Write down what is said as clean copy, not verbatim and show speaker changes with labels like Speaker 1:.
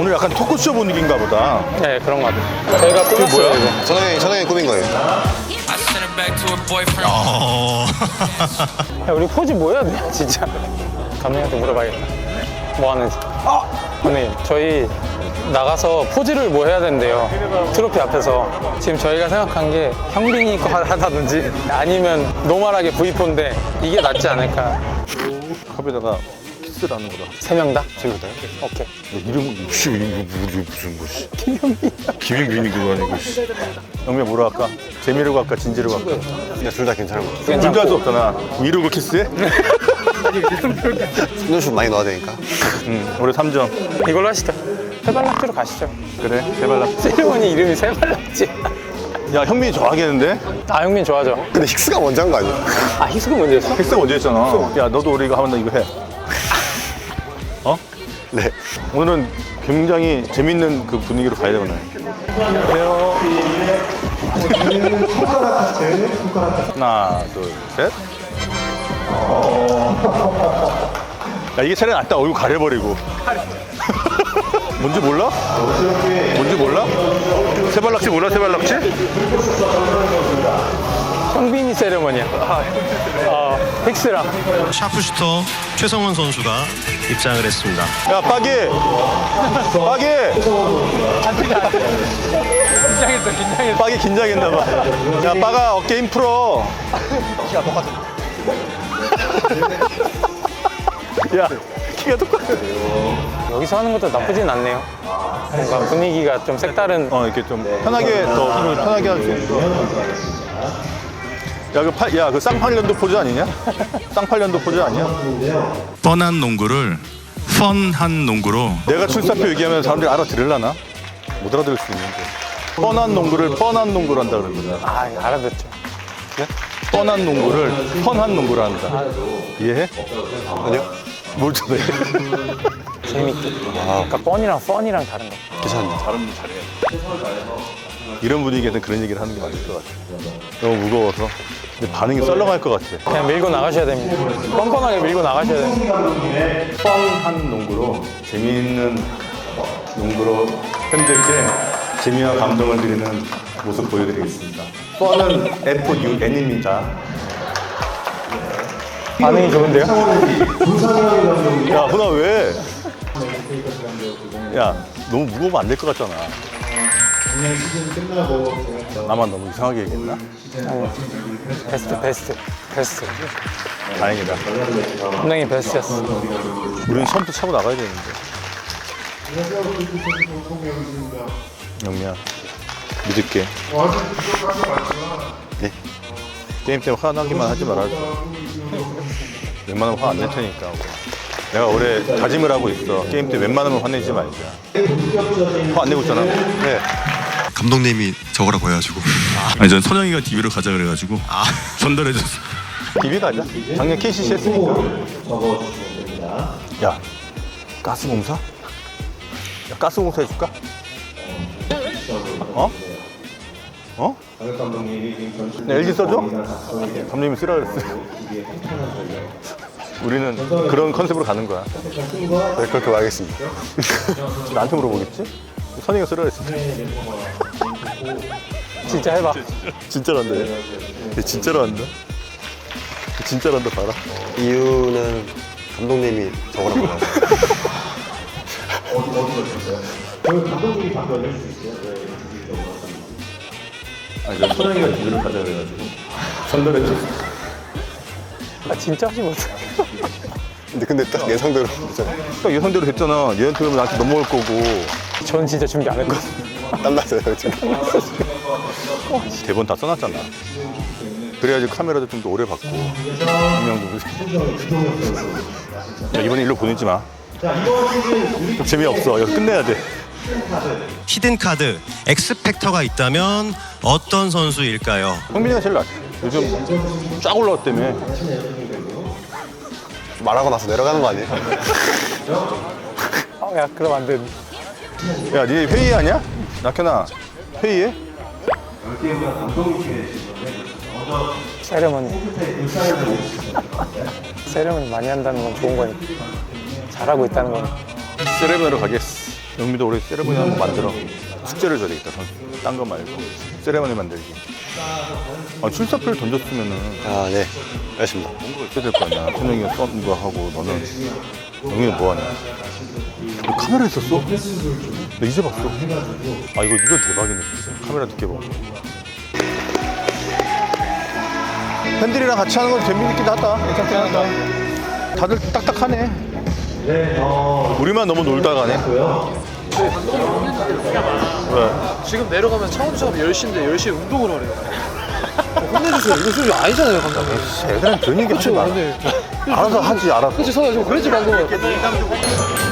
Speaker 1: 오늘 약간 토크쇼 분위기인가 보다.
Speaker 2: 네, 그런 거 같아요. 저희가 꾸몄어요,
Speaker 1: 뭐야?
Speaker 2: 이거.
Speaker 3: 선영이 꾸민 거예요.
Speaker 2: 야, 우리 포즈 뭐 해야 돼, 진짜? 감독님한테 물어봐야겠다. 뭐 하는지. 감독님, 저희 나가서 포즈를 뭐 해야 된대요. 트로피 앞에서. 지금 저희가 생각한 게 형빈이 거 하다든지 아니면 노멀하게 V4인데 이게 낫지 않을까.
Speaker 1: 컵에다가 키스라는 거다.
Speaker 2: 3명 다? 재밌다요? 오케이.
Speaker 1: 이름은 이거 무슨 거지? 김영빈이 그거 아니고. 영미야 뭐로 할까? 재미로 갈까? 진지로 갈까?
Speaker 3: 근데 둘 다 괜찮은 거.
Speaker 1: 둘 다 할 수 없잖아. 이러고 키스해?
Speaker 3: 손녀슛 많이 넣어야 되니까.
Speaker 1: 올해 3점.
Speaker 2: 이걸로 하시죠. 세발낙지로 가시죠.
Speaker 1: 그래, 세발낙.
Speaker 2: 세리머니 이름이 세발낙지.
Speaker 1: 야, 현민이 좋아하겠는데?
Speaker 2: 아, 형민 좋아하죠?
Speaker 3: 근데 힉스가 먼저 한 거 아니야?
Speaker 2: 아, 희수가 먼저였어?
Speaker 1: 헬스 언제 했잖아. 야, 너도 우리 이거 하면 나 이거 해. 어?
Speaker 3: 네.
Speaker 1: 오늘은 굉장히 재밌는 그 분위기로 가야 되구나. 안녕하세요. 하나, 둘, 셋. 야, 이게 차라리 낫다. 얼굴 가려버리고. 뭔지 몰라? 뭔지 몰라? 세발낙지 몰라? 세발낙지?
Speaker 2: 형빈이 세리머니야. 힉스랑.
Speaker 4: 샤프슈터 최성원 선수가 입장을 했습니다.
Speaker 1: 야, 빠기! 빠기!
Speaker 2: 긴장했어.
Speaker 1: 빠기 긴장했나봐. 야, 빠가 어깨 힘 풀어. 키가 똑같아. 야, 키가 똑같아.
Speaker 2: 여기서 하는 것도 나쁘진 않네요. 뭔가 분위기가 좀 색다른.
Speaker 1: 이렇게 좀 편하게, 더 힘을 편하게 할 수 있는. 야, 그 쌍팔년도 포즈 아니냐? 쌍팔년도 포즈 아니야?
Speaker 4: 뻔한 농구를 펀한 농구로
Speaker 1: 내가 출사표 얘기하면 사람들이 알아들으려나? 못 알아들을 수 있는데. 뻔한 농구를 뻔한 농구로 한다 그러거든.
Speaker 2: 아, 알아듣죠.
Speaker 1: 그래? 뻔한 농구를 펀한 농구로 한다. 이해해?
Speaker 3: 아니요?
Speaker 1: 뭘 전해?
Speaker 2: 재밌게. 그러니까 뻔이랑 펀이랑 다른 거.
Speaker 3: 괜찮네.
Speaker 1: 발음도 잘해. 이런 분위기에서는 그런 얘기를 하는 게 맞을 것 같아. 너무 무거워서. 근데 반응이 썰렁할 것 같아.
Speaker 2: 그냥 밀고 나가셔야 됩니다. 뻔뻔하게 밀고 나가셔야 됩니다.
Speaker 1: 뻔한 농구로, 재미있는 농구로 팬들께 재미와 감동을 드리는 모습 보여드리겠습니다. 뻔은 FUN입니다.
Speaker 2: 반응이 좋은데요?
Speaker 1: 야, 훈아 왜? 야, 너무 무거우면 안 될 것 같잖아. 나만 너무 이상하게 얘기했나?
Speaker 2: 베스트.
Speaker 1: 다행이다.
Speaker 2: 감독님 베스트였어.
Speaker 1: 우리는 처음부터 차고 나가야 되는데. 영미야, 믿을게.
Speaker 3: 네.
Speaker 1: 게임 때문에 화나기만 하지 말아줘. 웬만하면 화 안 낼 테니까. 내가 올해 다짐을 하고 있어. 게임 때 웬만하면 화내지 말자. 화 안 내고 있잖아.
Speaker 3: 네.
Speaker 4: 감독님이 저거라고 해가지고 아니 전 선영이가 DB로 가자 그래가지고 전달해줬어.
Speaker 1: DB 가자. 작년 KCC 했으니까. 야, 가스공사? 야, 가스공사 해줄까? 어? 어? 네, LG 써줘? 감독님이 쓰라 그랬어. 우리는 그런 컨셉으로 가는 거야.
Speaker 3: 네, 그렇게 말하겠습니다.
Speaker 1: 나한테 물어보겠지? 선이가 쓰라 그랬어.
Speaker 2: 진짜 해봐.
Speaker 1: 진짜로 한다. 얘 진짜로 한다. 진짜로 한다, 봐라.
Speaker 3: 이유는 감독님이 저거라고 해요.
Speaker 1: 아니, 저 선영이가 DB를 가자 그래가지고. 전달해줬어.
Speaker 2: 아, 진짜 하지 못해.
Speaker 3: 근데 딱 예상대로 했잖아요.
Speaker 1: 딱 예상대로 했잖아. 얘한테 그러면 나한테 넘어올 거고.
Speaker 2: 전 진짜 준비 안 했거든요.
Speaker 3: 땀났어요, 지금.
Speaker 1: 대본 다 써놨잖아. 그래야지 카메라도 좀 더 오래 받고. 분명도. 야, 이번에 일로 보내지 마. 좀 재미없어. 여기서 끝내야 돼.
Speaker 4: 히든 카드 엑스팩터가 있다면 어떤 선수일까요?
Speaker 1: 형민이가 제일 낫지. 요즘 쫙 올라왔다며.
Speaker 3: 말하고 나서 내려가는 거 아니에요?
Speaker 2: 야, 그럼 안 되는데.
Speaker 1: 야, 니 회의하냐? 낙현아, 회의해?
Speaker 2: 세레머니 많이 한다는 건 좋은 거니까. 잘하고 있다는 건.
Speaker 1: 세레머니로 가겠어. 영미도 올해 세레머니 한번 만들어. 숙제를 줘야 되겠다, 선수. 딴 거 말고. 세레머니 만들기. 아, 출사표를 던졌으면은
Speaker 3: 아, 네. 알겠습니다.
Speaker 1: 뭔가 있어야 될 거 아니야. 천영이가 쏜 거 하고 너는 영미는 뭐 하냐. 너 카메라 있었어? 나 이제 봤어. 아, 이거 대박이네, 진짜. 카메라 늦게 보고. 팬들이랑 같이 하는 건 재미있긴 하다. 괜찮긴 하다. 다들 딱딱하네. 우리만 너무 놀다 가네. 왜?
Speaker 5: 지금 내려가면 창원 수업 10시인데 10시에 운동을 하래요. 혼내주세요. 이거 수업이 아니잖아요, 감독님.
Speaker 1: 애들은 그런 얘기 하지 마.
Speaker 5: 근데
Speaker 1: 알아서 하지, 알아서.
Speaker 5: 그치, 서야 좀 그랬지, 방금.